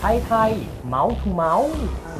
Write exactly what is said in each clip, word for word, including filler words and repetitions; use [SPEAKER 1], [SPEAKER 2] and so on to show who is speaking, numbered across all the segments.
[SPEAKER 1] ไทยไทยเมาส์ทูเมาส์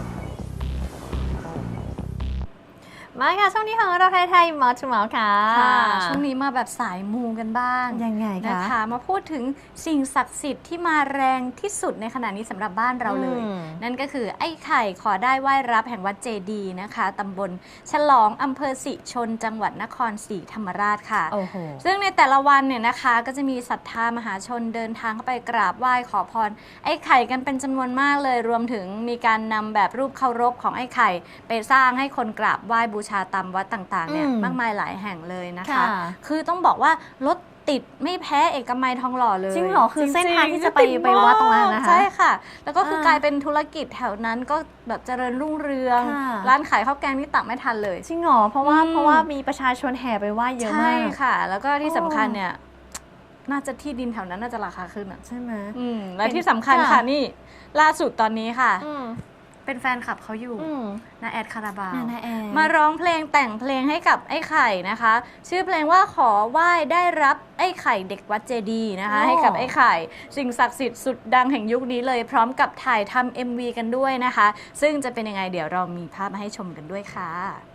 [SPEAKER 2] มาค่ะช่วงนี้ของเราไทยไทยเมาส์ทูเมาส์ค่ะ
[SPEAKER 3] ช่วงนี้มาแบบสายมูกันบ้าง
[SPEAKER 2] ยังไงคะ
[SPEAKER 3] นะคะมาพูดถึงสิ่งศักดิ์สิทธิ์ที่มาแรงที่สุดในขณะนี้สำหรับบ้านเราเลยนั่นก็คือไอ้ไข่ขอได้ไหว้รับแห่งวัดเจดีย์นะคะตำบลฉลองอำเภอสิชนจังหวัดนครศรีธรรมราชค่ะซึ่งในแต่ละวันเนี่ยนะคะก็จะมีศรัทธามหาชนเดินทางเข้าไปกราบไหว้ขอพรไอ้ไข่กันเป็นจำนวนมากเลยรวมถึงมีการนำแบบรูปเคารพของไอ้ไข่ไปสร้างให้คนกราบไหว้บูชาตามวัดต่างๆเนี่ยมากมายหลายแห่งเลยนะคะคือต้องบอกว่ารถติดไม่แพ้เอกมัยทองหล่อเลย
[SPEAKER 2] จริงเหรอคือเส้นทางที่จะไปไปวัดตรงนั้นนะคะ
[SPEAKER 3] ใช่ค่ะแล้วก็คือกลายเป็นธุรกิจแถวนั้นก็แบบเจริญรุ่งเรืองร้านขายข้าวแกงนี่ตักไม่ทันเลย
[SPEAKER 2] จริงเหรอเพราะว่าเพราะว่ามีประชาชนแห่ไปไหว้เยอะมาก
[SPEAKER 3] ใช่ค่ะแล้วก็ที่สำคัญเนี่ยน่าจะที่ดินแถวนั้นน่าจะราคาขึ้นอ่ะ
[SPEAKER 2] ใช่ไหม
[SPEAKER 3] และที่สำคัญค่ะนี่ล่าสุดตอนนี้ค่ะเป็นแฟนคลับเขาอยู่นาแอดคาราบาวมาร้องเพลงแต่งเพลงให้กับไอ้ไข่นะคะชื่อเพลงว่าขอไหว้ได้รับไอ้ไข่เด็กวัดเจดีย์นะคะให้กับไอ้ไข่สิ่งศักดิ์สิทธิ์สุดดังแห่งยุคนี้เลยพร้อมกับถ่ายทำ เอ็ม วี กันด้วยนะคะซึ่งจะเป็นยังไงเดี๋ยวเรามีภาพมาให้ชมกันด้วยค่ะ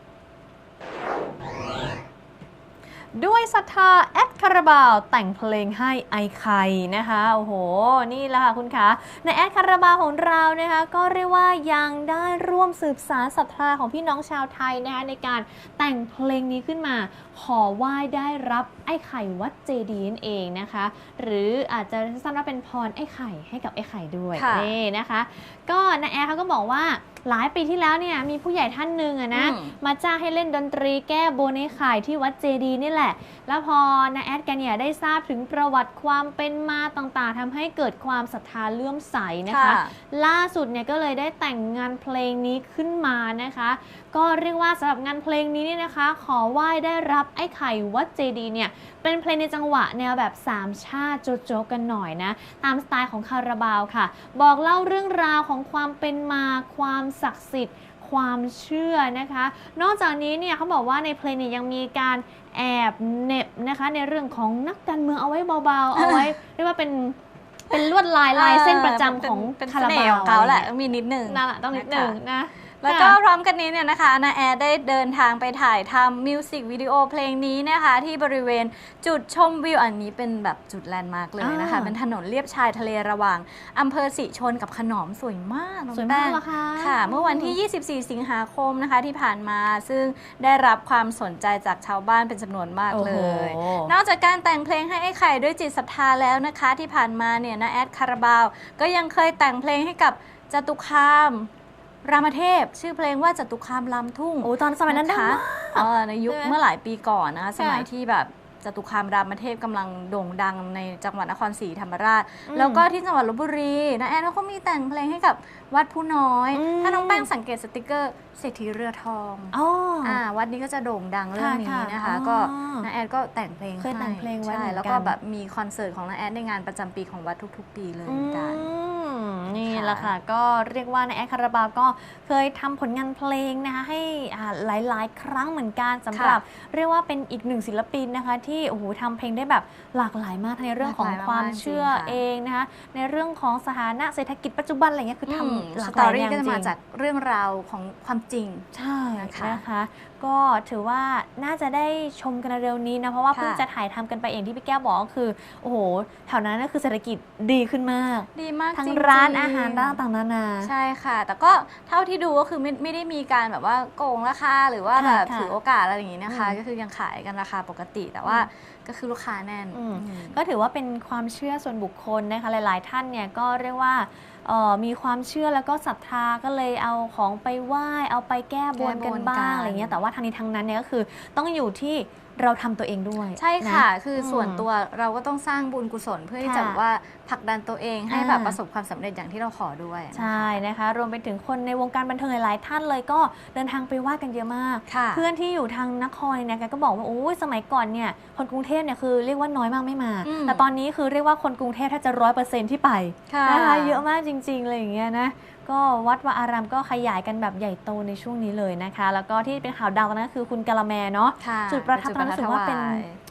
[SPEAKER 2] ด้วยศรัทธาแอดคาราบาวแต่งเพลงให้ไอไข่นะคะโอ้โหนี่แหละค่ะคุณคะในแอดคาราบาวของเรานะคะก็เรียกว่ายังได้ร่วมสืบสานศรัทธาของพี่น้องชาวไทยนะคะในการแต่งเพลงนี้ขึ้นมาขอไหว้ได้รับไอ้ไข่วัดเจดีย์นั่นเองนะคะหรืออาจจะสั้นว่าเป็นพรไอ้ไข่ให้กับไอ้ไข่ด้วยนี่นะคะก็นาแอดเขาก็บอกว่าหลายปีที่แล้วเนี่ยมีผู้ใหญ่ท่านหนึ่งอะนะมาจ้างให้เล่นดนตรีแก้บนไอ้ไข่ที่วัดเจดีย์นี่แหละแล้วพอนาแอดกันเนี่ยได้ทราบถึงประวัติความเป็นมาต่างๆทำให้เกิดความศรัทธาเลื่อมใสนะคะล่าสุดเนี่ยก็เลยได้แต่งงานเพลงนี้ขึ้นมานะคะก็เรียกว่าสำหรับงานเพลงนี้เนี่ยนะคะขอไหว้ได้รับไอ้ไข่วัดเจดีย์เนี่ยเป็นเพลงในจังหวะแนวแบบสามชาติโจโจกันหน่อยนะตามสไตล์ของคาราบาวค่ะบอกเล่าเรื่องราวของความเป็นมาความศักดิ์สิทธิ์ความเชื่อนะคะนอกจากนี้เนี่ยเขาบอกว่าในเพลงเนี่ยยังมีการแอบเน็บนะคะในเรื่องของนักการเมืองเอาไว้เบาๆเอาไว้เรียกว่าเป็นเป็นลวดลายลายเส้นประจำของคาราบาว
[SPEAKER 3] ของเขาแหละมีนิดหนึ่ง
[SPEAKER 2] นั่นแหละต้องนิดหนึ่งนะ
[SPEAKER 3] แล้วก็พร้อมกันนี้เนี่ยนะคะนาแอดได้เดินทางไปถ่ายทำมิวสิกวิดีโอเพลงนี้นะคะที่บริเวณจุดชมวิวอันนี้เป็นแบบจุดแลนด์มาร์กเลยนะคะเป็นถนนเลียบชายทะเลระหว่างอำเภอสิชนกับขนอมสวยมาก
[SPEAKER 2] สวยมากค่ะ
[SPEAKER 3] ค่ะเมื่อวันที่ยี่สิบสี่สิงหาคมนะคะที่ผ่านมาซึ่งได้รับความสนใจจากชาวบ้านเป็นจำนวนมากเลยนอกจากการแต่งเพลงให้ไอ้ไข่ด้วยจิตศรัทธาแล้วนะคะที่ผ่านมาเนี่ยนาแอดคาราบาวก็ยังเคยแต่งเพลงให้กับจตุคามรามเทพชื่อเพลงว่าจตุคามลำทุ่ง
[SPEAKER 2] โอ้ตอนสมัยนั้นนะคะ
[SPEAKER 3] ในยุคเมื่อหลายปีก่อนนะคะสมัยที่แบบจตุคามรามเทพกำลังโด่งดังในจังหวัดนครศรีธรรมราชแล้วก็ที่จังหวัดลพบุรีนะแอนเขามีแต่งเพลงให้กับวัดผู้น้อยถ้าน้องแป้งสังเกตสติกเกอร์เศรษฐีเรือทองอ่าวัดนี้ก็จะโด่งดังเรื่องนี้นะคะก็น้าแอดก็แต่งเพลง
[SPEAKER 2] เคยแต่งเพลงไว้ใช่
[SPEAKER 3] แล้วก็แบบมีคอนเสิร์ตของน้าแอดในงานประจำปีของวัดทุกๆปีเลยเหมือนกัน
[SPEAKER 2] นี่แหละค่ะก็เรียกว่านาแอดคาราบาวก็เคยทำผลงานเพลงนะคะให้หลายๆครั้งเหมือนกันสำหรับเรียกว่าเป็นอีกหนึ่งศิลปินนะคะที่โอ้โหทำเพลงได้แบบหลากหลายมากในเรื่องของความเชื่อเองนะคะในเรื่องของสถานะเศรษฐกิจปัจจุบันอะไรเงี้ยคือทำหลากหลายอย่างจริง
[SPEAKER 3] ก็จะมาจากเรื่องราวของความจริง
[SPEAKER 2] ใช่นะคะก็ถือว่าน่าจะได้ชมกันเร็วนี้นะเพราะว่าเพิ่งจะถ่ายทำกันไปเองที่พี่แก้วบอกก็คือโอ้โหแถวนั้นก็คือเศรษฐกิจดีขึ้นมาก
[SPEAKER 3] ดีมาก
[SPEAKER 2] ทั้งร้านอาหารต่างๆนานา
[SPEAKER 3] ใช่ค่ะแต่ก็เท่าที่ดูก็คือไม่ไม่ได้มีการแบบว่าโกงราคาหรือว่าแบบถือโอกาสอะไรอย่างนี้นะคะก็คือยังขายกันราคาปกติแต่ว่าก็คือลูกค้าแน่น
[SPEAKER 2] ก็ถือว่าเป็นความเชื่อส่วนบุคคลนะคะหลายๆท่านเนี่ยก็เรียกว่ามีความเชื่อแล้วก็ศรัทธาก็เลยเอาของไปไหว้เอาไปแก้บนกันบ้างอะไรเงี้ยแต่ว่าทางนี้ทางนั้นเนี่ยก็คือต้องอยู่ที่เราทำตัวเองด้วย
[SPEAKER 3] ใช่ค่ะคือส่วนตัวเราก็ต้องสร้างบุญกุศลเพื่อที่จะว่าผลักดันตัวเองให้แบบประสบความสำเร็จอย่างที่เราขอด้วย
[SPEAKER 2] ใช่นะคะรวมไปถึงคนในวงการบันเทิงหลายๆท่านเลยก็เดินทางไปไหว้กันเยอะมากเพื่อนที่อยู่ทางนครเนี่ยก็บอกว่าโอ้ยสมัยก่อนเนี่ยคนกรุงเทพเนี่ยคือเรียกว่าน้อยมากไม่มาแต่ตอนนี้คือเรียกว่าคนกรุงเทพแทบจะร้อยเปอร์เซ็นต์ที่ไปนะคะเยอะมากจริงๆเลยอย่างเงี้ยนะก็วัดวาอารามก็ขยายกันแบบใหญ่โตในช่วงนี้เลยนะคะแล้วก็ที่เป็นข่าวดังตอนนั้นคือคุณกะละแมเนาะจุดประทับตอนนั้นรู้สึกว่าเป็น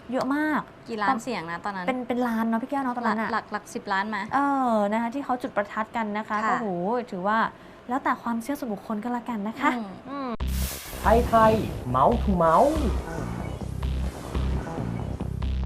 [SPEAKER 2] เยอะมาก
[SPEAKER 3] กี่ล้านเสียงนะตอนนั้น
[SPEAKER 2] เป็นเป็นล้านเนาะพี่แก้วเนาะตอน
[SPEAKER 3] หลั
[SPEAKER 2] นั้
[SPEAKER 3] ก
[SPEAKER 2] นอะ
[SPEAKER 3] หลักหลักสิบล้านไหม
[SPEAKER 2] เออนะคะที่เขาจุดประทัดกันนะคะ
[SPEAKER 3] ค่ะ
[SPEAKER 2] ก็โหถือว่าแล้วแต่ความเชื่อส่วนบุคคลก็แล้วกันนะคะ
[SPEAKER 3] อืม
[SPEAKER 2] อืม
[SPEAKER 1] ไทยไทยเมาส์ทูเมาส์